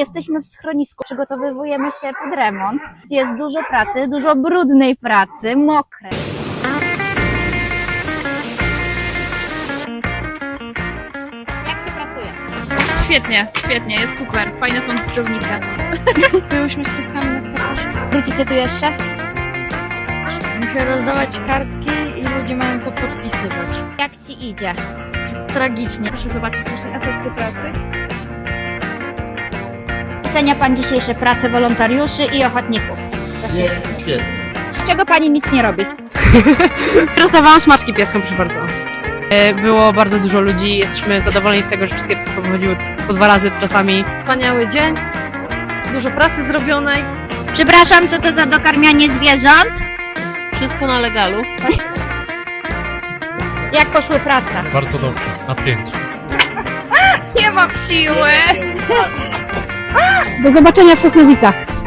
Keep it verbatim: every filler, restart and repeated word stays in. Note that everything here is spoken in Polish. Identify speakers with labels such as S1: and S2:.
S1: Jesteśmy w schronisku, przygotowujemy się pod remont. Jest dużo pracy, dużo brudnej pracy, mokrej. Jak się pracuje?
S2: Świetnie, świetnie, jest super. Fajne są dżdżownice. Byłyśmy z pieskami na spacerze.
S1: Wrócicie tu jeszcze?
S3: Muszę rozdawać kartki i ludzie mają to podpisywać.
S1: Jak ci idzie?
S3: Tragicznie.
S2: Proszę zobaczyć nasze efekty pracy.
S1: Ocenia Pan dzisiejsze prace wolontariuszy i ochotników?
S4: Nie, świetnie.
S1: Czego Pani nic nie robi?
S5: Rozdawałam smaczki pieskom, proszę bardzo. Było bardzo dużo ludzi, jesteśmy zadowoleni z tego, że wszystkie psy pochodziły po dwa razy czasami.
S3: Wspaniały dzień, dużo pracy zrobionej.
S1: Przepraszam, co to za dokarmianie zwierząt?
S5: Wszystko na legalu.
S1: Jak poszły prace?
S6: Bardzo dobrze, na pięć.
S2: Nie mam siły!
S5: Do zobaczenia w Sosnowicach.